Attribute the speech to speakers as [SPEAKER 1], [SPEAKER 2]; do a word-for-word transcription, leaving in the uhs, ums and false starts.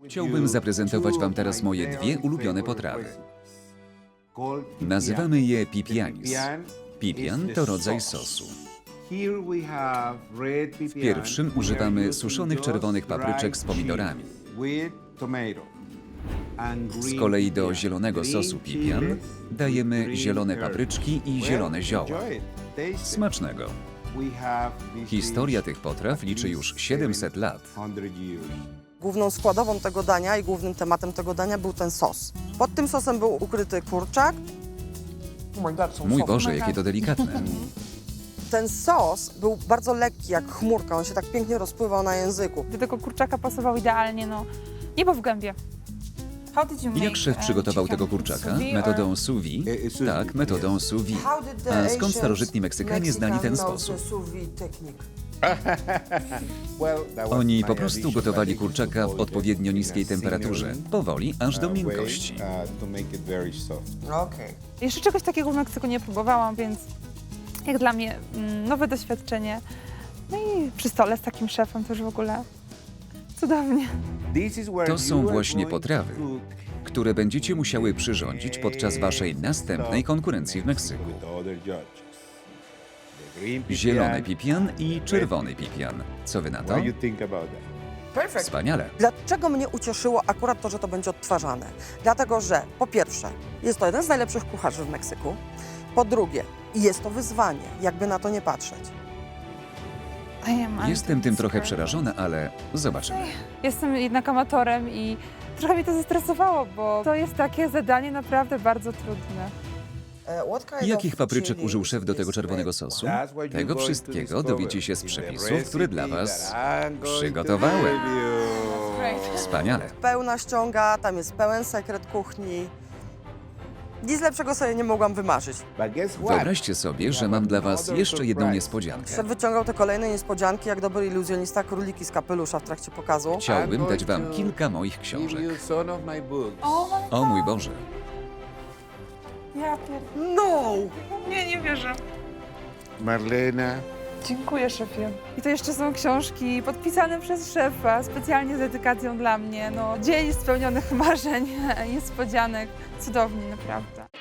[SPEAKER 1] Chciałbym zaprezentować Wam teraz moje dwie ulubione potrawy. Nazywamy je pipianis. Pipian to rodzaj sosu. W pierwszym używamy suszonych czerwonych papryczek z pomidorami. Z kolei do zielonego sosu pipian dajemy zielone papryczki i zielone zioła. Smacznego! Historia tych potraw liczy już siedemset lat.
[SPEAKER 2] Główną składową tego dania i głównym tematem tego dania był ten sos. Pod tym sosem był ukryty kurczak.
[SPEAKER 1] Mój Boże, jakie to delikatne.
[SPEAKER 2] Ten sos był bardzo lekki, jak chmurka. On się tak pięknie rozpływał na języku.
[SPEAKER 3] Do tego kurczaka pasował idealnie, no. Niebo w gębie.
[SPEAKER 1] Jak szef przygotował tego kurczaka? Metodą sous vide? Tak, metodą sous vide. A skąd starożytni Meksykanie znali ten sposób? Oni po prostu gotowali kurczaka w odpowiednio niskiej temperaturze, powoli, aż do miękkości.
[SPEAKER 2] Okej.
[SPEAKER 3] Jeszcze czegoś takiego w Meksyku nie próbowałam, więc jak dla mnie mm, nowe doświadczenie. No i przy stole z takim szefem też w ogóle cudownie.
[SPEAKER 1] To są właśnie potrawy, które będziecie musiały przyrządzić podczas Waszej następnej konkurencji w Meksyku. Zielony pipian i czerwony pipian. Co Wy na to?
[SPEAKER 2] Perfekt.
[SPEAKER 1] Wspaniale.
[SPEAKER 2] Dlaczego mnie ucieszyło akurat to, że to będzie odtwarzane? Dlatego, że po pierwsze, jest to jeden z najlepszych kucharzy w Meksyku. Po drugie, jest to wyzwanie, jakby na to nie patrzeć.
[SPEAKER 3] I am
[SPEAKER 1] Jestem tym trochę przerażona, ale zobaczymy.
[SPEAKER 3] Jestem jednak amatorem i trochę mnie to zestresowało, bo to jest takie zadanie naprawdę bardzo trudne.
[SPEAKER 1] Jakich papryczek użył szef do tego czerwonego sosu? Tego wszystkiego dowiecie się z przepisów, które dla Was przygotowałem. Wspaniale.
[SPEAKER 2] Pełna ściąga, tam jest pełen sekret kuchni. Nic lepszego sobie nie mogłam wymarzyć.
[SPEAKER 1] Wyobraźcie sobie, że mam dla Was jeszcze jedną niespodziankę.
[SPEAKER 2] Szef wyciągał te kolejne niespodzianki, jak dobry iluzjonista, króliki z kapelusza w trakcie pokazu.
[SPEAKER 1] Chciałbym dać Wam kilka moich książek.
[SPEAKER 3] O,
[SPEAKER 1] O mój Boże.
[SPEAKER 3] ja pier...
[SPEAKER 2] No!
[SPEAKER 3] Nie, nie wierzę.
[SPEAKER 4] Marlena.
[SPEAKER 3] Dziękuję, szefie. I to jeszcze są książki podpisane przez szefa, specjalnie z dedykacją dla mnie. No, dzień spełnionych marzeń, niespodzianek. Cudownie, naprawdę.